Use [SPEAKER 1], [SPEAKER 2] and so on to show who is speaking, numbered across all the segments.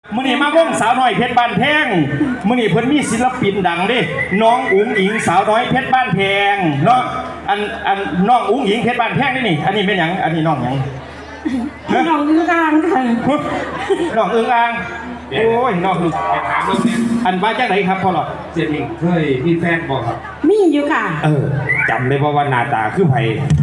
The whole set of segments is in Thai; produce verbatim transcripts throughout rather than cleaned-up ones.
[SPEAKER 1] มื้อนี้มาวงสาวน้อยเพชรบ้านแพงมื้อนี้เพิ่นมีศิลปินดังเด้น้องอุ๋งอิงสาวน้อยเพชรบ้านแพงเนาะอันอันน้องอุ๋งอิงเพชรบ้านแพงนี่นี่อันนี้เป็นหยังอันนี้น้องหยัง
[SPEAKER 2] น้องอึ้งอ่างค่ะ
[SPEAKER 1] น้องอึ้งอ่างโอ้ยน้องอึ้งถามเรื่องนี้อันว่าจังไดครับพ่อหลอด
[SPEAKER 3] เจนนี่เคยมีแฟนบ่ครับ
[SPEAKER 2] มีอยู่ค่ะ
[SPEAKER 3] เออจำได้ว่าว่าหน้าตาคือไผ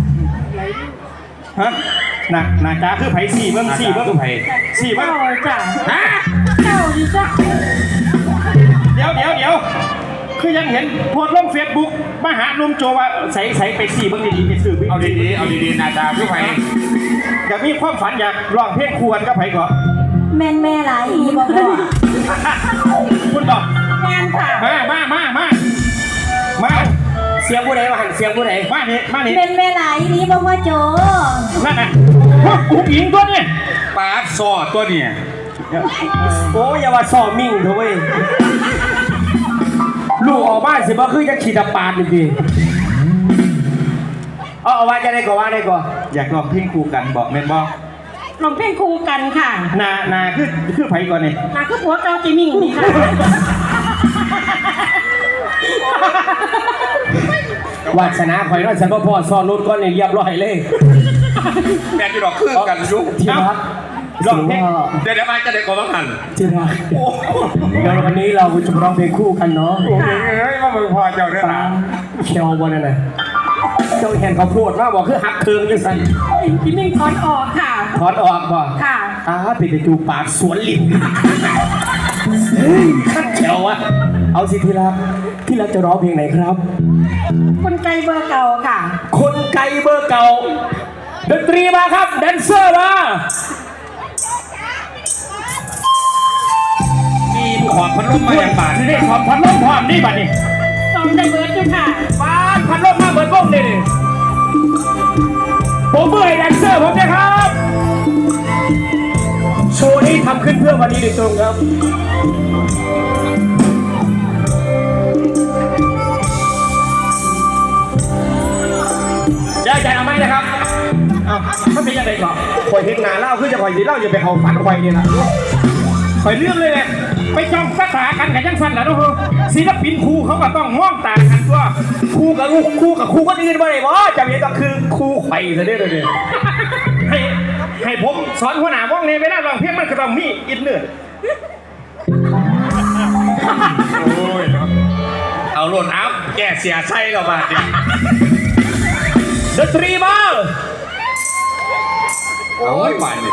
[SPEAKER 1] ฮะหน้าหน้าตาคือไผสี่เบิ่งสี่เบิ่ง
[SPEAKER 3] คือไผ
[SPEAKER 1] สี่เบิ่ง
[SPEAKER 2] จ้ะ
[SPEAKER 1] ฮะ
[SPEAKER 2] เจ้าดิจ้ะ
[SPEAKER 1] เดี๋ยวเดี๋ยวเดี๋ยวคือยังเห็นโพสต์ลงเฟซบุ๊กมาหาลุงโจว่าใส่ใส่ไปสี่เบิ่งดีๆไปซื้อ
[SPEAKER 3] เอาดีๆเอาดีๆหน้าตาคือไผ
[SPEAKER 1] อยากมีความฝันอยากร้องเพลงควรกับไผก่อน
[SPEAKER 2] แม่นแม่หลายอีบ่พ่อ
[SPEAKER 1] คุณบอก
[SPEAKER 2] แม่นค่ะ
[SPEAKER 1] มามามามามาเสียงผู้ใดมาหันเสียงผู้ใดมานี่มานี่
[SPEAKER 2] แม่นแม่หลายอีบ่พ่อโจ
[SPEAKER 1] นั่นน่ะพวกผู้หญิงตัวนี้
[SPEAKER 3] ปาดซอตัวเนี่ย
[SPEAKER 1] โอ้ยอย่าว่าซ้อมิ่งเถอะเว้ยลูกออกบ้านสิบ่คือจะขีดปาดจริงๆเอาเอาว่าจะได้ก็ว่าได้ก็อยากร้องเพลงคู่กันบอกแม่นบ่
[SPEAKER 2] ร้องเพลงคู่กันค่ะ
[SPEAKER 1] นานาคือคือไผก่อนนี่
[SPEAKER 2] นาคือผัวเก่าจิมิ่งนี่ค่ะ
[SPEAKER 1] วาสนาข่อยน้อยฉันบ่พอซ้อนรถก่อนนี่เรียบร้อยเลย
[SPEAKER 3] แม่ที่ดอกคือกันอยู่
[SPEAKER 1] ที่รักร้องเพลง
[SPEAKER 3] เดี๋ยวเดี๋ยวมาจะได้ก็ว่าหัน
[SPEAKER 1] ที่รักเดี๋ยววันนี้เราจะร้องเพลงคู่กันเนาะ
[SPEAKER 3] โอ้ยเฮ้ยมาเบิ่งพอเจ้าเด้อนะ
[SPEAKER 1] เชียวบ่นั่นน่ะเจ้าเห็นเขาพูดว่าบอกคือหักเคืองจังซั่น
[SPEAKER 2] จิมิ่งถอนออกค่ะ
[SPEAKER 1] ถอนออกบ่
[SPEAKER 2] ค่ะ
[SPEAKER 1] อ้าไปไปจูปากสวนลิ้นเฮ้ยคัดเชียวอะเอาสิที่รักที่รักจะร้องเพลงไหนครับ
[SPEAKER 2] คนไกลเบอร์เก่าค่ะ
[SPEAKER 1] คนไกลเบอร์เก่าดนตรีมาครับแดนเซอร์มา
[SPEAKER 3] มีขอบพัดลมมาอย่างบาด
[SPEAKER 1] นี่ขอบพัดลมพร้อมนี่บัดนี้
[SPEAKER 2] ซ้อมได้เบิร์ดด้วยค่ะ
[SPEAKER 1] บ้านพัดลมมาเบิร์ดวงนี่ผมเบื่อแดนเซอร์ผมนะครับโชว์นี้ทำขึ้นเพื่อวันนี้โดยตรงครับได้ใจเอาไหมนะครับอ้าวถ้าเป็นยังไงก่อนคอยเห็นหนาเล่าขึ้นจะคอยดีเล่าจะไปเขาฝันคอยนี่นะคอยเรื่องเลยเนี่ยไปจ้องตาตากันกับจังสันแล้วทุกคนศิลปินครูเขาก็ต้องมองตากันตัวครูกับลูกครูกับครูก็ดีกันไปเลยว่าจำเป็นก็คือครูไข่ซะเด้อเลยให้ให้ผมสอนหัวหน้าว่องในเวลาลองเพียงมันก็ต้องมีอินเนอร์
[SPEAKER 3] โอ้ยเอาหล่นอัพแกเสียไส้เราบาดเนี่ย
[SPEAKER 1] ดนตรีมา
[SPEAKER 3] โอ้ยไปเลย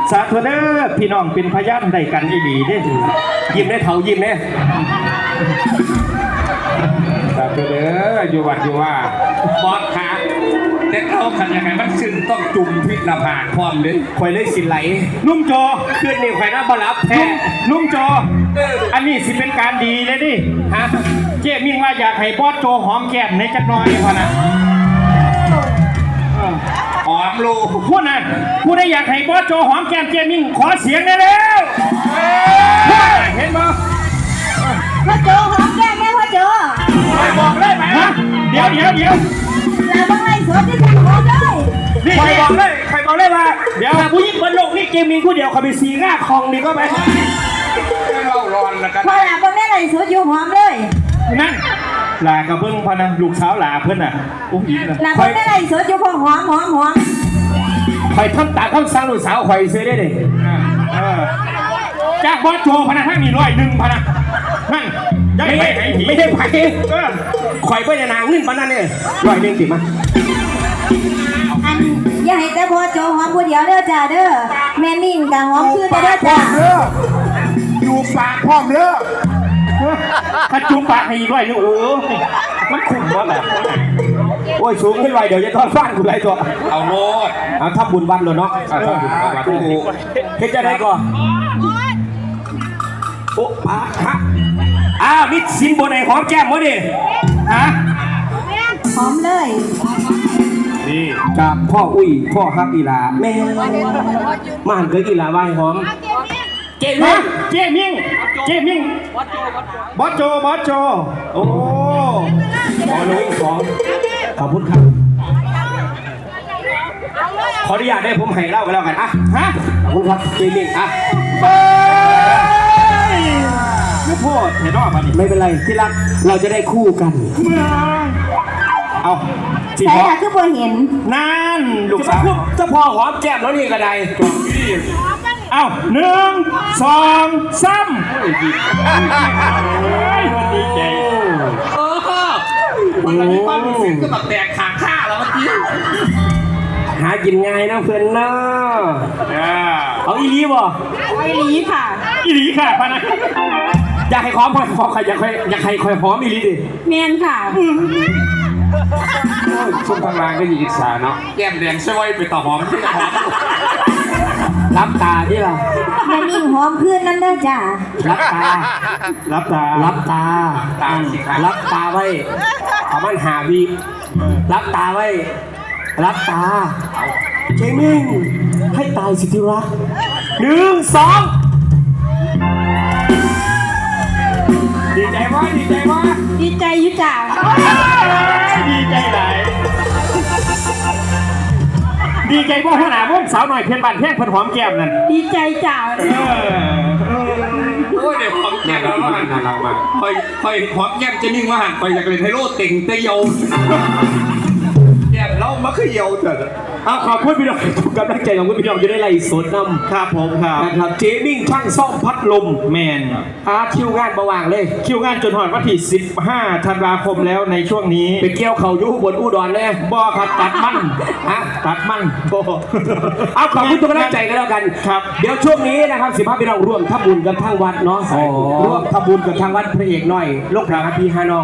[SPEAKER 1] สาธุเด้อพี่น้องเป็นพยานได้กันอีหลีเด้อยิ้มได้เท่ายิ้มเด้สาธุเด้ออยู่วัดอยู่ว่า
[SPEAKER 3] บอสขาแต่เขาขันยังไงมันซึ่งต้องจุ่มพิษละผากพร้อมเลย
[SPEAKER 1] ข่อยเลยสิไหลนุ่มโจขึ้นนี่ข่อยน่าบรับแท้นุ่มโจอันนี้สิเป็นการดีเลยดิฮะเจ๊มิ่งว่าอยากให้บอสโจหอมแก้มในจักหน่อยพอนะ
[SPEAKER 3] หอมลูก
[SPEAKER 1] พูดนะพูดได้อยากให้บอสโจหอมแก้มเจ๊มิ่งขอเสียงได้แล้วเห็นบ่
[SPEAKER 4] พ่อโจหอมแก้มแม่พ่อโจ
[SPEAKER 1] บอกเลยไหมฮะเดี๋ยวเดี๋ยวเดี๋ยว
[SPEAKER 4] แล้วบางไรสวนที่จะหอมเลย
[SPEAKER 1] นี่ใครบอกเลยใครบอกเลยว่าเดี๋ยวผู้หญิงบนโลกนี่เจมิงผู้เดียวเขาไปซีง่าคองดีก็ไป
[SPEAKER 3] เล่าร้อนแล้วกัน
[SPEAKER 4] พ่อหลาบางแม่ไรสวนอยู่หอมเลย
[SPEAKER 1] นั่นลากระเบื้องพอนะลูกสาวลาเพื่อนน่ะอุ้งอิงนะ
[SPEAKER 4] หลาบางแม่ไรสวนอยู่พอหอมหอมหอม
[SPEAKER 1] คอยทำตาทำสั่งลูกสาวคอยซื้อได้เลยจากบอสโจพนักทั้งมีร้อยหนึ่งพนักนั่นไม่ใช่ไม่ใช่ไผ่คอยเพื่อนนางนึ่งพนันเนี่ยร้อยหนึ่งสิมา
[SPEAKER 4] อันอย่าให้แต่พ่อโจหอมผู้เดียวเด้อจ้าเด้อแม่มิ่งกับหอมคือแต่เด้อจ้า
[SPEAKER 1] อยู่ปากพร้อมเด้อถ้าจุ่มปากให้อีกร้อยหนึ่งเออมันคุ้มวะแหละโอ้ยสูงขึ้นไวเดี๋ยวจะทอดฟ้านกูไรตัว
[SPEAKER 3] เอาโลด
[SPEAKER 1] เอาทับบุญวันเลยเนาะเอาทับบุญวันโอ้โหเฮ็ดจะได้ก่อนโอ้ปะฮะอ้าวนี่สินบนไหนหอมแก้มวะดิฮะ
[SPEAKER 4] หอมเลย
[SPEAKER 1] นี่จากพ่ออุ้ยพ่อฮักอีหลาแม่มาหันเกิดอีหลาไหวหอมเจ๊มิ่งเจ๊มิ่งเจ๊มิ่งบอสโจบอสโจโอ้บอลลูนสองขอบคุณครับขออนุญาตได้ผมให้เล่ากันแล้วกันอ่ะฮะขอบคุณครับเจ๊มิ่งอ่ะเฮ้ยไม่พูดเห็นรอบอ่ะไม่เป็นไรที่รักเราจะได้คู่กันเอาสิ
[SPEAKER 4] ใส่
[SPEAKER 1] พอ
[SPEAKER 4] ละคือบ่เห็น
[SPEAKER 1] นั่นลูกสาวเจ้าพ่อหอมแก้มแล้วนี่กระไดเอาหนึ่งสองสามดีใจ
[SPEAKER 3] เออมันตอนนี้ความรู้สึกก็แบบแตกขาข้าแล้วเมื่อกี้
[SPEAKER 1] หากินง่ายนะเพื่อนเนาะเอาอีหลีบ่
[SPEAKER 2] ไอหลีค่ะ
[SPEAKER 1] อีหลีค่ะพะนะอยากให้หอมพอพอใครอยากให้อยากให้คอยหอมอีหลีดิ
[SPEAKER 2] แมนค่ะ
[SPEAKER 1] ช่วงกลางก็ยิงอิสาเนาะ
[SPEAKER 3] แก้มแดงช่วยไปต่อหอมที่หอม
[SPEAKER 1] รับตาดิล่ะ
[SPEAKER 4] แม่มิ่งหอมคืนนั่นเด้อจ้า
[SPEAKER 1] รับตา รับตา รับตา
[SPEAKER 3] ตามสิครับ
[SPEAKER 1] รับตาไว้เอามันหาวีรับตาไว้ รับตาเจมิงให้ตายสิที่รักหนึ่งสองดีใจวะดีใจวะ
[SPEAKER 2] ดีใจอยุจ่า
[SPEAKER 1] ดีใจไหนดีใจว่าหัวหน้าวงสาวหน่อยเพียนบันเพียงเพิ่นหอมแก้มนั่น
[SPEAKER 2] ดีใจจ่า
[SPEAKER 1] เออ
[SPEAKER 3] โอ้ยเดี๋ยวหอมแก้มแล้วมันคอยคอยหอมแก้มจะนิ่งว่าหันคอยอยากเล่นไฮโลเต่งเตยเยาแก้มเรามาคือเยาเถอะ
[SPEAKER 1] เอาขอบคุณพี่น้องทุกกำลังใจของคุณพี่น้องจะได้ไล่สดนำครับผมครับนะครับเจมิ่งช่างซ่อมพัดลมแมนอาคิวงานประว่างเลย คิวงานจนหอดวันที่สิบห้าธันวาคมแล้วในช่วงนี้ไปเกี่ยวเขาอยู่บนอุดรแน่บ่ครับตัดมันฮะตัดมันบ่เอาขอบคุณทุกกำลังใจกันแล้วกันครับเดี๋ยวช่วงนี้นะครับสิบห้าพี่น้องร่วมทำบุญกันทางวัดเนาะร่วมทำบุญกันทางวัดพระเอกหน่อยลูกพระพี่ฮานอง